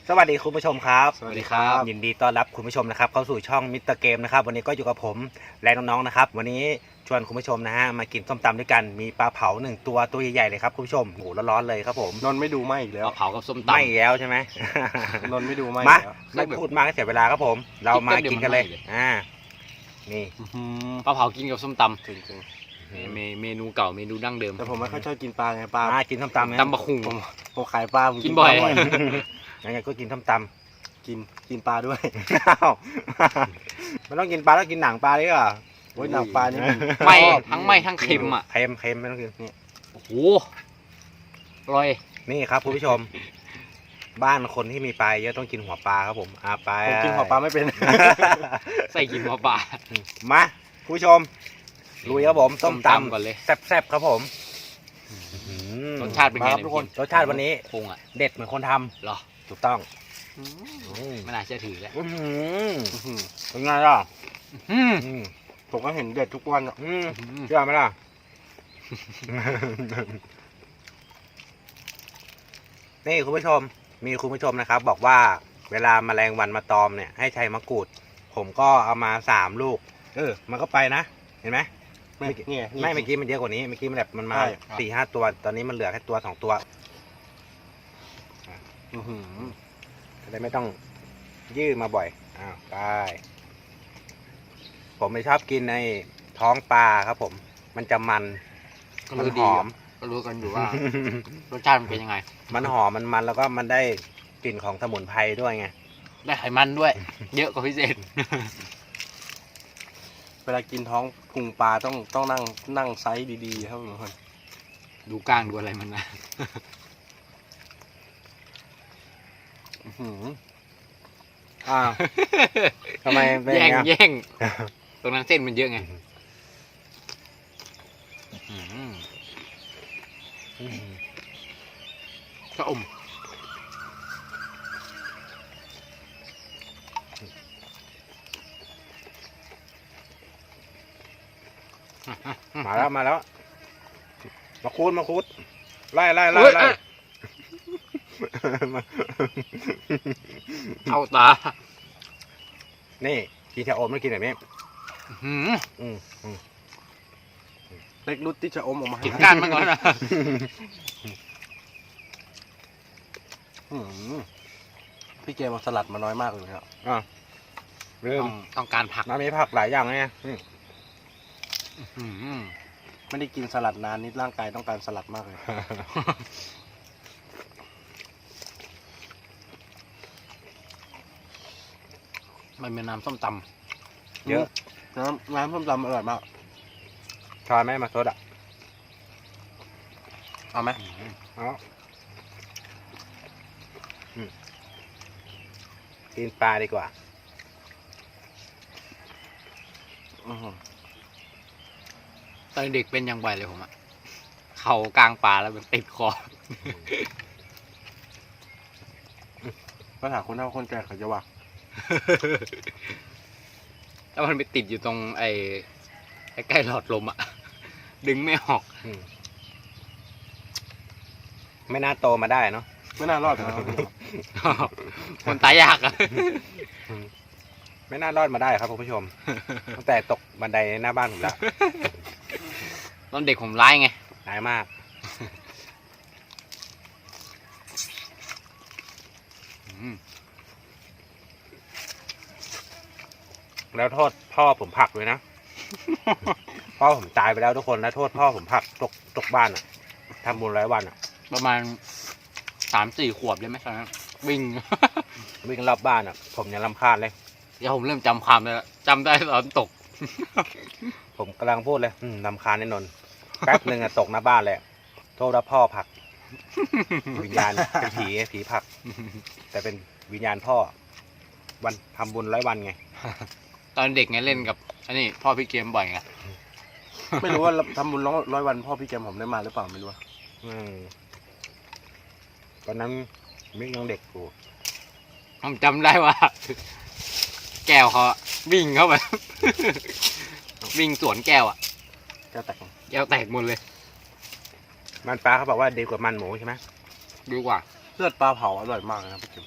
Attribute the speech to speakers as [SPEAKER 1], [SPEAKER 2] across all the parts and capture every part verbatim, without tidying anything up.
[SPEAKER 1] สวัสดีคุณผู้ชมครับ
[SPEAKER 2] สวัสดีครับ
[SPEAKER 1] ยินดีต้อนรับคุณผู้ชมนะครับเข้าสู่ช่องมิสเตอร์เกมนะครับวันนี้ก็อยู่กับผมและน้องๆนะครับวันนี้ชวนคุณผู้ชมนะฮะมากินส้มตำด้วยกันมีปลาเผาหนึ่งตัวตัวใหญ่ๆเลยครับคุณผู้ชมโหร้อนๆเลยครับผม
[SPEAKER 2] นนท์ไม่ดูไม่อีกแล้ว
[SPEAKER 3] เอาเผากับส้มตำ
[SPEAKER 1] ไม่แล้วใช่ไหม
[SPEAKER 2] นนท์ไม่ดูไม่
[SPEAKER 1] มา
[SPEAKER 2] อีกแล้ว
[SPEAKER 1] ไม่พูดมากให้เสียเวลาครับผม เรามากินกันเลยอ่านี่
[SPEAKER 2] อื้อหือ
[SPEAKER 3] ปลาเผากินกับส้มตำ
[SPEAKER 2] จริง
[SPEAKER 3] เมเมเมนูเก่าเมนูดั้งเดิม
[SPEAKER 2] ๆแต่ผมไม่ค่อยชอบกินปลาไงปลา
[SPEAKER 1] มากินส้มตำนะ
[SPEAKER 3] ตำบะคุง
[SPEAKER 2] ผมผมขายปลาผม
[SPEAKER 3] กินบ่อย
[SPEAKER 2] ปลา
[SPEAKER 1] ยังไงก็กินส้มตำ
[SPEAKER 2] กินกินปลาด้วย
[SPEAKER 1] อ้าวไม่ต้องกินปลาต้องกินหนังปลาดีกว่า
[SPEAKER 2] โอ้ยหนังปลานี่ผม
[SPEAKER 3] ไม่
[SPEAKER 2] ชอบ
[SPEAKER 3] ทั้งไม่ทั้งเค็มอ่ะ
[SPEAKER 1] เค็มเค็มไม่ต้องกินนี่
[SPEAKER 3] โอ้โหอร่อย
[SPEAKER 1] นี่ครับคุณผู้ชม บ้านคนที่มีปลาเยอะต้องกินหัวปลาครับผมอาไป
[SPEAKER 2] ผมกินหัวปลาไม่เป็น
[SPEAKER 3] ใส่กินหัวปลา
[SPEAKER 1] มาคุณผู้ชมลุยครับผมส้มตำ
[SPEAKER 3] ก่อนเลย
[SPEAKER 1] แซ่บๆครับผมอืม
[SPEAKER 3] รสชาติเป็นไง
[SPEAKER 2] มาครับ
[SPEAKER 3] เย
[SPEAKER 2] ทุกคน
[SPEAKER 1] รสชาติวันนี้
[SPEAKER 3] คงอ่ะ
[SPEAKER 1] เด็ดเหมือนคนทำ
[SPEAKER 3] เหรอ
[SPEAKER 1] ถูกต้อง
[SPEAKER 2] อืม
[SPEAKER 1] อืม
[SPEAKER 3] ไม่น่าเชื่อถือแล้ว
[SPEAKER 1] อื้อหือ
[SPEAKER 2] อื้อหือ
[SPEAKER 1] เป็นไงล่ะ
[SPEAKER 3] อืม
[SPEAKER 1] อืม
[SPEAKER 2] ผมก็เห็นเด็ดทุกวันอะ
[SPEAKER 1] อืมเชื่อไหมล่ะ นี่คุณผู้ชม มีคุณผู้ชมนะครับ บอกว่าเวลาแมลงวันมาตอมเนี่ยให้ใช้มะกรูด ผมก็เอามาสามลูก เออ มันก็ไปนะ เห็นไหม
[SPEAKER 2] ไม่เนี่ยนี่
[SPEAKER 1] ไม่เมื่อกี้มันเยอะกว่านี้เมื่อกี้มันแบบมันมา
[SPEAKER 2] ใช่
[SPEAKER 1] สี่ห้าตัว ตอนนี้มันเหลือแค่ตัวสองตัว
[SPEAKER 2] อื้อหือ
[SPEAKER 1] จะได้ไม่ต้องยืดมาบ่อยอ้าวไปผมไม่ชอบกินในท้องปลาครับผม มันจะมัน
[SPEAKER 3] ก็
[SPEAKER 1] มัน
[SPEAKER 3] รู้
[SPEAKER 1] ห
[SPEAKER 3] ดี
[SPEAKER 1] อ
[SPEAKER 3] อะ
[SPEAKER 1] ม
[SPEAKER 3] ก็รู้กันอยู่ว่า รสชาติมันเป็นยังไง
[SPEAKER 1] มันหอมมันมันแล้วก็มันได้กลิ่นของสมุนไพรด้วยไง
[SPEAKER 3] ได้ไขมันด้วย เยอะกว่าพิเศษ
[SPEAKER 2] เวลากินท้องพุงปลาต้องต้องนั่งนั่งไซส์ดีๆครับทุกคน
[SPEAKER 3] ดูก้างดูอะไรมันนะ
[SPEAKER 2] อื้อหือ
[SPEAKER 1] อ้าวทำไมเป็นอ
[SPEAKER 3] แย่
[SPEAKER 1] ย่าง
[SPEAKER 3] ง
[SPEAKER 1] เงี้ย
[SPEAKER 3] แย่งตรงนั้นเส้นมันเยอะไงอืมก็อม
[SPEAKER 1] มาแล้วมาแล้ว มาคูดมาคูดไล่ไล่ไล่ไล่
[SPEAKER 3] เอาตา
[SPEAKER 1] นี่กินชะอมแล้วกินแบบนี้
[SPEAKER 3] หืม
[SPEAKER 1] อืมอืม
[SPEAKER 2] เล็กรุดที่จะอมออกมา
[SPEAKER 3] กินก้านมันก่อนนะ
[SPEAKER 2] อื้อหือพี่เกมเอาสลัดมาน้อยมากเลยครับ
[SPEAKER 1] อ่ะเริ่
[SPEAKER 3] ต้
[SPEAKER 1] ม
[SPEAKER 3] องต้องการผัก
[SPEAKER 1] น้ำมีผักหลายอย่างไงอืม
[SPEAKER 3] หืม
[SPEAKER 2] ไม่ได้กินสลัดนานนิดร่างกายต้องการสลัดมากเลย
[SPEAKER 3] มันเป็นน้ำส้มต
[SPEAKER 1] เยอะ
[SPEAKER 2] น้ำน้ำส้มตำอร่อยมาก
[SPEAKER 1] ชอนไหมมาโซดอ่ะ
[SPEAKER 2] เอาไหม
[SPEAKER 3] ำ
[SPEAKER 1] เอาอืมกินปลาดีกว่า
[SPEAKER 2] อื้อหือ
[SPEAKER 3] ตอนเด็กเป็นยังไงเลยผมอะเข่ากลางป่าแล้วมันติดคอ
[SPEAKER 2] ปัญหาคนเฒ่าคนแก่เขาจะว่า
[SPEAKER 3] แล้วมันไปติดอยู่ตรงไอ้ใกล้ๆหลอดลมอะดึงไม่ออก
[SPEAKER 1] อืมไม่น่าโตมาได้เนาะ
[SPEAKER 2] ไม่น่ารอดนะครับ
[SPEAKER 3] คนตายยากอะ
[SPEAKER 1] ไม่น่ารอดมาได้ครับคุณผู้ชม ตั้งแต่ตกบันไดหน้าบ้านผมแล้ว
[SPEAKER 3] ตอนเด็กผมร้ายไง
[SPEAKER 1] หายมาก
[SPEAKER 3] อืม
[SPEAKER 1] แล้วโทษพ่อผมผลักเลยนะ พ่อผมตายไปแล้วทุกคนแล้วโทษพ่อผมผลักตกตกบ้านอ่ะทำบุญร้อยวันอ่ะ
[SPEAKER 3] ประมาณสามสี่ขวบได้ไหมตอนนั้นวิ่ง
[SPEAKER 1] วิ่งรอบบ้านอ่ะ ผมยังรำคาญเลย
[SPEAKER 3] เดี๋ยวผมเริ่มจำความได้แล้วจำได้ตอนตก
[SPEAKER 1] ผมกำลังพูดเลยอืมรำคาญแน่นอนแป๊บหนึ่งอะตกหน้าบ้านเลยอะโทษแล้วพ่อผลัก วิญญาณเป็นผีไงผีผลัก แต่เป็นวิญญาณพ่อ วันทำบุญร้อยวันไง
[SPEAKER 3] ตอนเด็กไงเล่นกับอันนี้พ่อพี่เกมบ่อยไง
[SPEAKER 2] ไม่รู้ว่าทำบุญร้อยร้อยวันพ่อพี่เกมผมได้มาหรือเปล่าไม่รู้อะ
[SPEAKER 1] อืมตอนนั้นมิกยังเด็กอยู่
[SPEAKER 3] ผมจำได้ว่า แก้วเขาวิ่งเข้าไป วิ่งสวนแก้วอ่ะ
[SPEAKER 2] แก้วแตก
[SPEAKER 3] แก้วแตกหมดเลย
[SPEAKER 1] มันปลาเขาบอกว่าดีกว่ามันหมูใช่ไหม
[SPEAKER 3] ดีกว่า
[SPEAKER 2] เลือดปลาเผาอร่อยมากเลยนะพี่เกม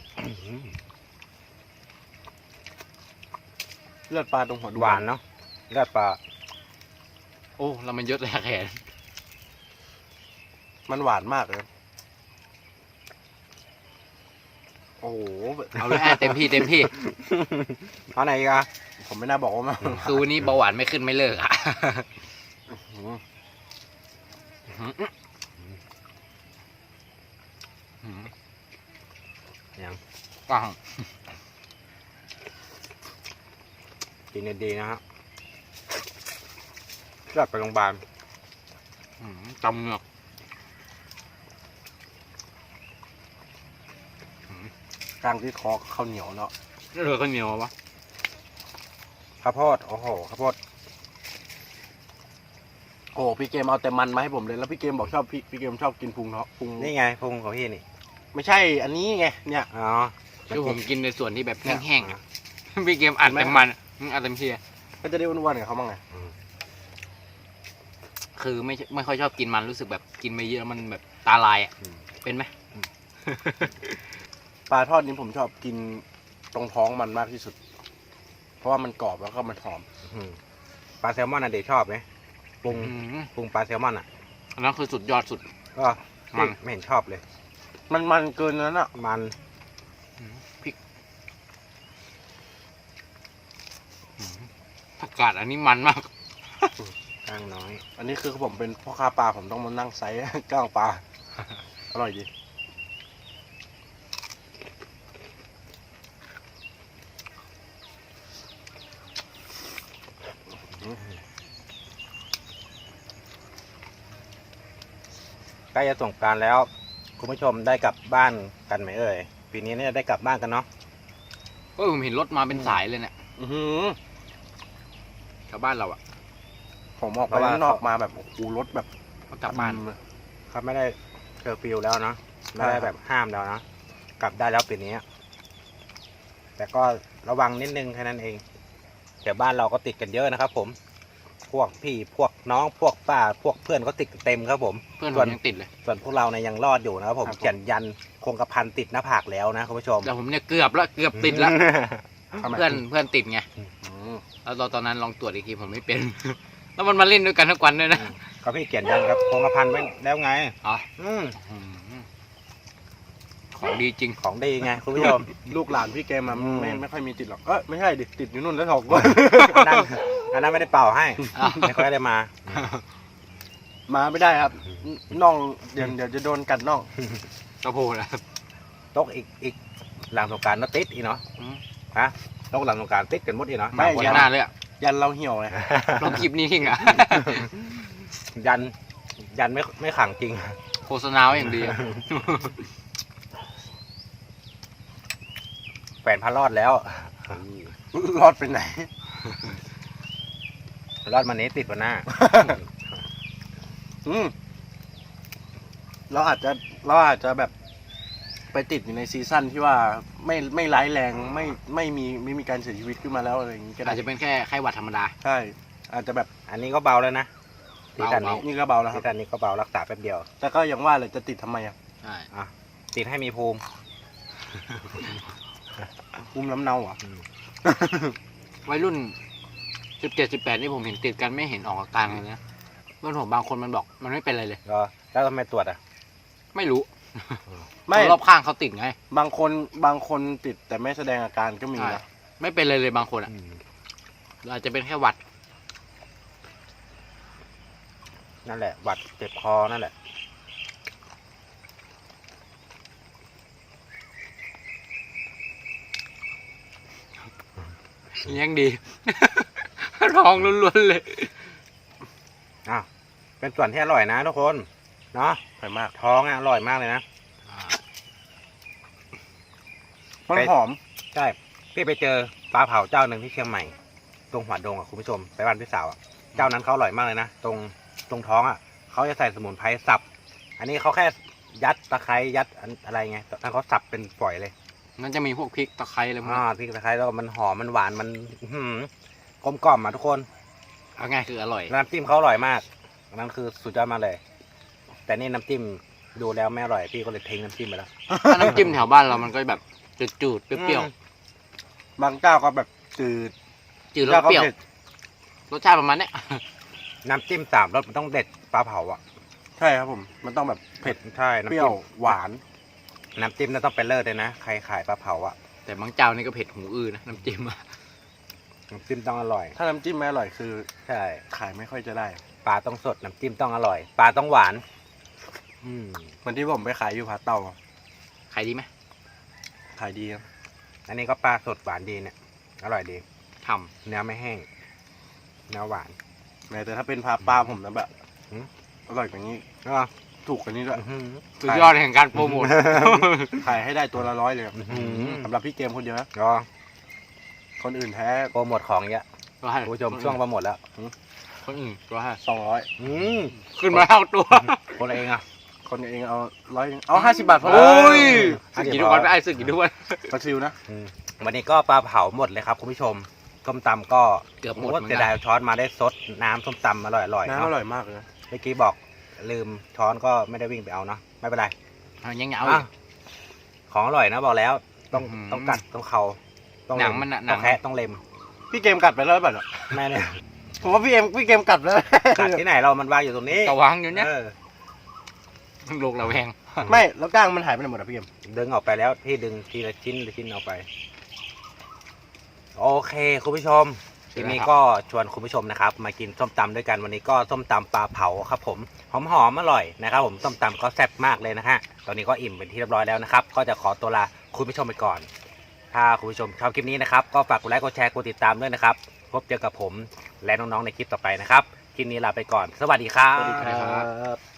[SPEAKER 2] เลือดปลาตรงหัวดู
[SPEAKER 1] หวานเนาะเลือดปลา
[SPEAKER 3] โอ้แล้วมันยศแหลกแขน
[SPEAKER 2] มันหวานมากเลยโอ้โห
[SPEAKER 3] เอาเลยอ่ะเต็มที่เต็มที่
[SPEAKER 1] เอาไหนอีกอะ
[SPEAKER 2] ผมไม่น่าบอกว่ามัน
[SPEAKER 3] คือวันนี้เบาหวานไม่ขึ้นไม่เลิกอ่ะ
[SPEAKER 1] ยัง
[SPEAKER 3] ปัง
[SPEAKER 1] กินดีๆนะฮะเลือดไปโรงพยาบาล
[SPEAKER 3] จำเหงือก
[SPEAKER 2] กลางที่คอข้าวเหนียวเนาะ
[SPEAKER 3] เหลือข้าวเหนียวปะ
[SPEAKER 1] ข้าวโพดโอ้โหข้าวโพด
[SPEAKER 2] โอ้พี่เกมเอาแต่มันมาให้ผมเลยแล้วพี่เกมบอกชอบพี่พี่เกมชอบกินพุงเนาะพุง
[SPEAKER 1] นี่ไงพุงของพี่นี่
[SPEAKER 2] ไม่ใช่อันนี้ไงเนี่ย
[SPEAKER 1] อ๋อ
[SPEAKER 3] คือผมกินในส่วนที่แบบแห้ง
[SPEAKER 1] อ่ะ
[SPEAKER 3] ๆพี่เกมอัดเต็มมันอืมอัดเต็มที่
[SPEAKER 2] ก็จะได้อ้วนๆกับเขาบ้างไง
[SPEAKER 3] คือไม่ไม่ค่อยชอบกินมันรู้สึกแบบกินไปเยอะมันแบบตาลายอ่ะ
[SPEAKER 1] อืม
[SPEAKER 3] เป็นไหม
[SPEAKER 2] ปลาทอดนี้ผมชอบกินตรงท้องมันมากที่สุด เพราะว่ามันกรอบแล้วก็มันหอม
[SPEAKER 1] อืมปลาแซลมอนอ่ะเด็กชอบไหมปรุง
[SPEAKER 3] อืม
[SPEAKER 1] ปรุงปลาแซลมอนอ่ะ
[SPEAKER 3] อันนั้นคือสุดยอดสุด
[SPEAKER 1] ก็
[SPEAKER 3] มัน
[SPEAKER 1] ไม่เห็นชอบเลย
[SPEAKER 2] มันมันเกินนั้นอ่ะ
[SPEAKER 1] มัน
[SPEAKER 3] พริกผักกาดอันนี้มันมาก
[SPEAKER 1] กล้างน้อย
[SPEAKER 2] อันนี้คือผมเป็นพ่อค้าปลาผมต้องมานั่งไซส์ กล้างปลาอร่อยดี
[SPEAKER 1] ใกล้จะสงกรานต์แล้ว คุณผู้ชมได้กลับบ้านกันไหมเอ่ยปีนี้เนี่ยได้กลับบ้านกันเนาะ
[SPEAKER 3] เออผมเห็นรถมาเป็นสายเลยเนี่ย
[SPEAKER 2] อือหือ
[SPEAKER 3] ชาวบ้านเราอ่ะ
[SPEAKER 2] ผมออกไปข้างนอกมาแบบโอ้โหรถแบบ
[SPEAKER 3] เขากลับบ้าน
[SPEAKER 2] เลย
[SPEAKER 1] เขาไม่ได้เคอร์ฟิวแล้วเนาะไม่ได้
[SPEAKER 2] ใช่ครับ
[SPEAKER 1] แบบห้ามแล้วเนาะกลับได้แล้วปีนี้ แต่ก็ระวังนิดนึงแค่นั้นเองแถวบ้านเราก็ติดกันเยอะนะครับผม พวกพี่พวกน้องพวกป้าพวกเพื่อนก็ติดเต็มครับผม
[SPEAKER 3] เพื่อนผ
[SPEAKER 1] ส่ว
[SPEAKER 3] ม
[SPEAKER 1] น
[SPEAKER 3] ยังติดเลย
[SPEAKER 1] ส่วนพวกเราเนี่ยยังรอดอยู่นะครับผมเขียนยันคงกระพันติดหน้าผากแล้วนะคุณผู้ชม
[SPEAKER 3] แต่ผมเนี่ยเกือบแล้วเกือบติดแล้ว
[SPEAKER 2] ทำไม
[SPEAKER 3] เพื่อนเพื่อนติดไง
[SPEAKER 2] อืม
[SPEAKER 3] แล้วตอนตอนนั้นลองตรวจอีกทีผมไม่เป็น แล้วมันมาเล่นด้วยกันทุกวันด้วยนะ
[SPEAKER 1] ก็พี่เขียนยันครับคงกระพันไว้แล้วไง
[SPEAKER 3] อ๋อ
[SPEAKER 1] อืม
[SPEAKER 3] อืมของดีจริง
[SPEAKER 1] ของดีไงคุณผู้ชม
[SPEAKER 2] ลูกหลานพี่แกมา
[SPEAKER 1] อืม
[SPEAKER 2] ไม่ไม่ค่อยมีติดหรอกเออไม่ใช่ดิติดอยู่นู่นแล้วถอกก็
[SPEAKER 1] อันนั้นอันนั้นไม่ได้เป่าให้
[SPEAKER 3] อ้าว
[SPEAKER 1] ไม่ค่อยได้มา
[SPEAKER 2] มาไม่ได้ครับน่องเดี๋ยวเดี๋ยวจะโดนกัดน่อง
[SPEAKER 3] กระโพดนะครับ
[SPEAKER 1] ตกอีกอีกหลังสงกรารก็ติดอีกเนาะ
[SPEAKER 3] อืม
[SPEAKER 1] ฮะตกหลังสงกรารติดกันหมดอีกเนาะ
[SPEAKER 2] ไม่
[SPEAKER 1] บางคน
[SPEAKER 3] เสียหน้าเลยอ่ะ
[SPEAKER 2] ยันเราเหี่ยวไง
[SPEAKER 3] ลองคลิปนี้ทิ้งอ่ะ
[SPEAKER 1] ยันยันไม่ไม่ขังจริง
[SPEAKER 3] โฆษณาไว้อย่างดีอะ
[SPEAKER 1] แฟนพารอดแล้ว
[SPEAKER 2] รอดไปไหน
[SPEAKER 1] รอดมานี้ติดวันหน้า
[SPEAKER 2] อืมเราอาจจะเราอาจจะแบบไปติดอยู่ในซีซั่นที่ว่าไม่ไม่ร้ายแรงไม่ไม่มีไม่มีการเสียชีวิตขึ้นมาแล้วอะไรอย่างนี้ก็ได้
[SPEAKER 3] อาจจะเป็นแค่ไข้หวัดธรรมดา
[SPEAKER 2] ใช่อาจจะแบบ
[SPEAKER 1] อันนี้ก็เบาแล้วนะซีซั่นนี้
[SPEAKER 3] เบา
[SPEAKER 2] นี่ก็เบาแล้วค
[SPEAKER 1] ซี
[SPEAKER 2] รับ
[SPEAKER 1] ซั่นนี้ก็เบารักษาแป๊บเดียว
[SPEAKER 2] แต่ก็ยังว่าเลยจะติดทำไมอ่ะ
[SPEAKER 3] ใช่
[SPEAKER 1] อ่ะติดให้มีภูมิ
[SPEAKER 2] อุ้มน้ำเนาอ่ะ
[SPEAKER 3] วัยรุ่นสิบเจ็ดสิบแปดนี่ผมเห็นติดกันไม่เห็นออกอาการเลยนะเพื่อนผมบางคนมันบอกมันไม่เป็นอะไรเลย
[SPEAKER 1] ก็แล้วทำไมตรวจอ่ะ
[SPEAKER 3] ไม่รู้
[SPEAKER 2] ไม่
[SPEAKER 3] คนรอบข้างเขาติดไง
[SPEAKER 2] บางคนบางคนติดแต่ไม่แสดงอาการก็มี
[SPEAKER 3] ใช่
[SPEAKER 2] นะ
[SPEAKER 3] ไม่เป็นเลยเลยบางคนอ่ะอาจจะเป็นแค่หวัด
[SPEAKER 1] นั่นแหละหวัดเจ็บคอนั่นแหละ
[SPEAKER 3] ยังดี ร้องล้วนๆเลย
[SPEAKER 1] อ้าวเป็นส่วนที่อร่อยนะทุกคนเนาะ
[SPEAKER 2] อร่อยมาก
[SPEAKER 1] ท้องอ่ะอร่อยมากเลยนะ
[SPEAKER 2] มัน
[SPEAKER 1] ไป
[SPEAKER 2] หอม
[SPEAKER 1] ใช่พี่ไปเจอปลาเผาเจ้าหนึ่งที่เชียงใหม่ ตรงหัวดงอ่ะคุณผู้ชมไปบ้านพี่สาวอ่ะเจ้านั้นเขาอร่อยมากเลยนะตรงตรงท้องอ่ะเขาจะใส่สมุนไพรสับ อันนี้เขาแค่ยัดตะไคร้ยัดอันอะไรไงแต่เขาสับเป็นฝอยเลย
[SPEAKER 3] งั้นจะมีพวกพริกตะไคร้อะไรพวก
[SPEAKER 1] อ่า
[SPEAKER 3] นี้
[SPEAKER 1] พริกตะไคร้แล้วมันหอมมันหวานมันอื้อหือกลมกล่อมอ่ะทุกคน
[SPEAKER 3] เอาง่ายคืออร่อย
[SPEAKER 1] น้ำจิ้มเขาอร่อยมากอันนั้นคือสุดยอดมากเลย แต่นี่น้ำจิ้มดูแล้วไม่อร่อยพี่ก็เลยทิ้งน้ำจิ้มไปแล้ว
[SPEAKER 3] ถ้าน้ำจิ้มแถวบ้านเรามันก็แบบจืดๆเปรี้ยว
[SPEAKER 1] อืม
[SPEAKER 2] บางเจ้าก็แบบจืด
[SPEAKER 3] ๆจืดแล้ว
[SPEAKER 2] เจ้าก็
[SPEAKER 3] เปรี้ยว
[SPEAKER 2] เผ็ด
[SPEAKER 3] รสชาติประมาณเนี้ย
[SPEAKER 1] น้ำจิ้มสามรสมันต้องเด็ดปลาเผาอ่ะ
[SPEAKER 2] ใช่ครับผม มันต้องแบบเผ็ด
[SPEAKER 1] ใช่น้ำ
[SPEAKER 2] เปรี้
[SPEAKER 1] จิ้
[SPEAKER 2] ยว
[SPEAKER 1] ม
[SPEAKER 2] หวาน
[SPEAKER 1] น้ำจิ้มน่าต้องเป็นเลิศเลยนะใครขายปลาเผาอ่ะ
[SPEAKER 3] แต่บางเจ้านี่ก็เผ็ดหูอื้อนะน้ำจิ้มอะ
[SPEAKER 1] น้ำจิ้มต้องอร่อย
[SPEAKER 2] ถ้าน้ำจิ้มไม่อร่อยคือ
[SPEAKER 1] ใช่
[SPEAKER 2] ขายไม่ค่อยจะได้
[SPEAKER 1] ปลาต้องสดน้ำจิ้มต้องอร่อย ปลาต้องหวาน อืม
[SPEAKER 2] เหมือนที่ผมไปขายอยู่ผาเต่า
[SPEAKER 3] ขายดีไหม
[SPEAKER 2] ขายดีครับ
[SPEAKER 1] อันนี้ก็ปลาสดหวานดีเนี่ย อร่อยดี
[SPEAKER 3] ท
[SPEAKER 1] เนื้อไม่แห้ง เนื้อหวาน
[SPEAKER 2] แม้แต่ถ้าเป็นพาปลาผมนะแบบ
[SPEAKER 1] หืม
[SPEAKER 2] อร่อยกว่านี้
[SPEAKER 1] ก็
[SPEAKER 2] ถูกกว่านี้ด้วย
[SPEAKER 1] อื้อหือ
[SPEAKER 3] ำสุดยอดแห่งการโปรโมท
[SPEAKER 2] ขายให้ได้ตัวละร้อยเลยครับ
[SPEAKER 1] อื้อหือ
[SPEAKER 2] สำหรับพี่เกมคนเดียวนะ
[SPEAKER 1] ก็
[SPEAKER 2] คนอื่นแท้
[SPEAKER 1] โปรโมทของเยอะ
[SPEAKER 3] ก็ให้
[SPEAKER 1] คุณผู้ชมช่วงโปรโมทแล้ว
[SPEAKER 3] คนอื่นก็ให้
[SPEAKER 2] สองร้อย
[SPEAKER 1] อืม
[SPEAKER 3] ขึ้นมาเท่าตัว
[SPEAKER 1] คนละเองอ่ะ
[SPEAKER 2] คนเองเอาร้อยเอาห้าสิบบาทพอ
[SPEAKER 3] โอ้ย
[SPEAKER 1] ห้า
[SPEAKER 3] สึก
[SPEAKER 1] สิบ
[SPEAKER 3] กี่ทุกวันไปไอ้สึกกี่ทุกวัน
[SPEAKER 2] ปลาซิวนะ
[SPEAKER 1] อืมวันนี้ก็ปลาเผาหมดเลยครับคุณผู้ชมส้มตำก็
[SPEAKER 3] เกือบหมด
[SPEAKER 1] โอ้
[SPEAKER 3] เหมือน
[SPEAKER 1] เสีย
[SPEAKER 3] กั
[SPEAKER 1] ดาย
[SPEAKER 3] น
[SPEAKER 1] ช้อนมาได้ซดน้ำส้มตำอร่อยๆ
[SPEAKER 2] น้ำ
[SPEAKER 1] เนาะ
[SPEAKER 2] อร่อยมากเลยนะ
[SPEAKER 1] เมื่อกี้บอกลืมช้อนก็ไม่ได้วิ่งไปเอาเนาะไม่เป็นไร
[SPEAKER 3] เอายังเหงา
[SPEAKER 1] อ่ะของอร่อยนะบอกแล้ว ต้อง
[SPEAKER 3] อื้อหือ
[SPEAKER 1] ต้องกัดต้องเขาต้อง
[SPEAKER 3] หนัง
[SPEAKER 1] เล็
[SPEAKER 3] มันน่ะหนั
[SPEAKER 1] ต้อง งแคะต้องเล็ม
[SPEAKER 2] พี่เกมกัดไปแล้วหรือเปล่าเนี่ย
[SPEAKER 1] แม่เนี่ย
[SPEAKER 2] ผมว่าพี่เอ็มพี่เกมกัดแล้ว
[SPEAKER 1] กัดที่ไหนเรามันวางอยู่ตรงนี้
[SPEAKER 3] กระวางอยู่เนี่ย
[SPEAKER 1] เออ
[SPEAKER 3] โลกระแวง
[SPEAKER 2] ไม่แล้วก้างมันหายไปไหนหมดอะพี่เกม
[SPEAKER 1] ดึงออกไปแล้วพี่ดึงทีละชิ้นละชิ้นออกไป โอเคคุณผู้ชม ทีนี้ก็ชวนคุณผู้ชมนะครับ มากินส้มตำด้วยกันวันนี้ก็ส้มตำปลาเผาครับผมหอมหอมๆอร่อยนะครับผมส้มตำก็แซ่บมากเลยนะฮะตอนนี้ก็อิ่มเป็นที่เรียบร้อยแล้วนะครับ ก็จะขอตัวลาคุณผู้ชมไปก่อน ถ้าคุณผู้ชมชอบคลิปนี้นะครับก็ฝากกดไลค์กดแชร์กดติดตามด้วยนะครับพบเจอกับผมและน้องๆในคลิปต่อไปนะครับคลิปนี้ลาไปก่อน สวัสดีครับ
[SPEAKER 2] สวัสดีครับ